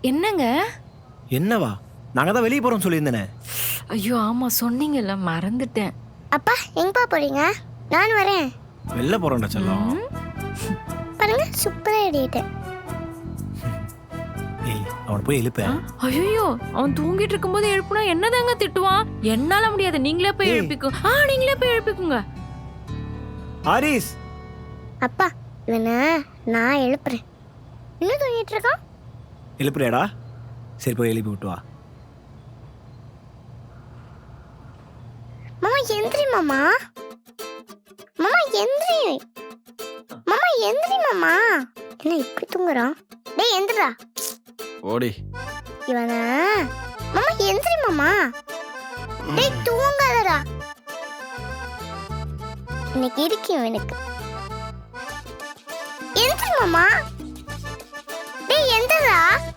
என்னங்க? என்னவா? நாங்க தான் வெளியே போறோம் சொல்லியிருந்தேனே. ஐயோ ஆமா சொன்னீங்கல்ல, மறந்துட்டேன். அப்பா எங்கப்பா போறீங்க? நான் வரேன். வெளில போறோம்டா செல்லம். பாருங்க சூப்பரா எழுதிட்டேன். ஏய், அவனை போய் எழுப்ப. ஐயோ, அவன் தூங்கிட்டு இருக்கும்போது எழுப்புனா என்னதாங்க திட்டுவான்? என்னால முடியாது, நீங்களே போய் ஏய். எழுப்பிக்கோ. நீங்களே போய் எழுப்பிக்குங்க. ஹாரிஸ், அப்பா இவனை நான் எழுப்புறேன். இன்னும் தூங்கிட்டு இருக்கான். எழுப்புறியாடா? சரி போய் எழுப்பி விட்டு வா. மாமா எந்திரி மாமா. மாமா எந்திரி. மாமா எந்திரி மாமா. என்ன இப்படி தூங்குறான்? டேய் எந்திரா. ஓடி. இவனை மாமா எந்திரி மாமா. டேய் தூங்காதடா. இன்னைக்கு இருக்கு இவனுக்கு. எந்திரி மாமா. டேய் எந்திரா.